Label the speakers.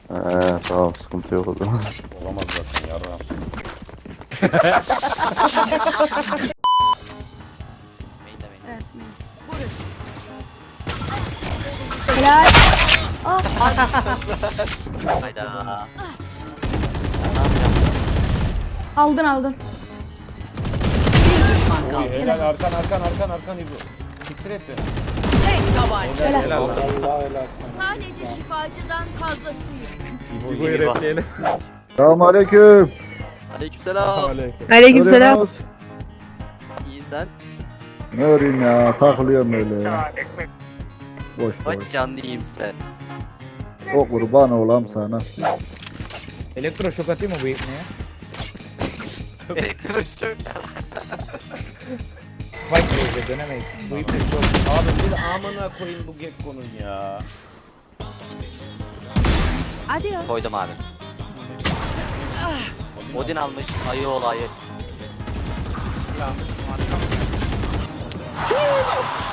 Speaker 1: Tamam sıkıntı yok o zaman.
Speaker 2: Olamaz zaten yarram.
Speaker 3: Evet, main. Burası. Helal.
Speaker 4: Hayda.
Speaker 3: Aldın aldın.
Speaker 2: Helal arkan İbo. Siktir et beni.
Speaker 3: Helal.
Speaker 5: Sadece şifacıdan fazlasıyım.
Speaker 2: İbo'yu repleyelim.
Speaker 1: Selamünaleyküm.
Speaker 4: Aleykümselam.
Speaker 6: Aleykümselam.
Speaker 4: İyi sen.
Speaker 1: Ne öreyim ya, takılıyorum öyle ya. Boş boş.
Speaker 4: Bak canlıyım sen.
Speaker 1: O kurban olam sana.
Speaker 7: Elektroşok atayım mı bu ipneye?
Speaker 4: Elektroşok.
Speaker 7: Vay be dönemeyiz. Bu ipne çok.
Speaker 2: Abi bir amına koyayım bu Gekko'nun ya.
Speaker 3: Adios.
Speaker 4: Koydum abi. Odin almış. Ayı olayı.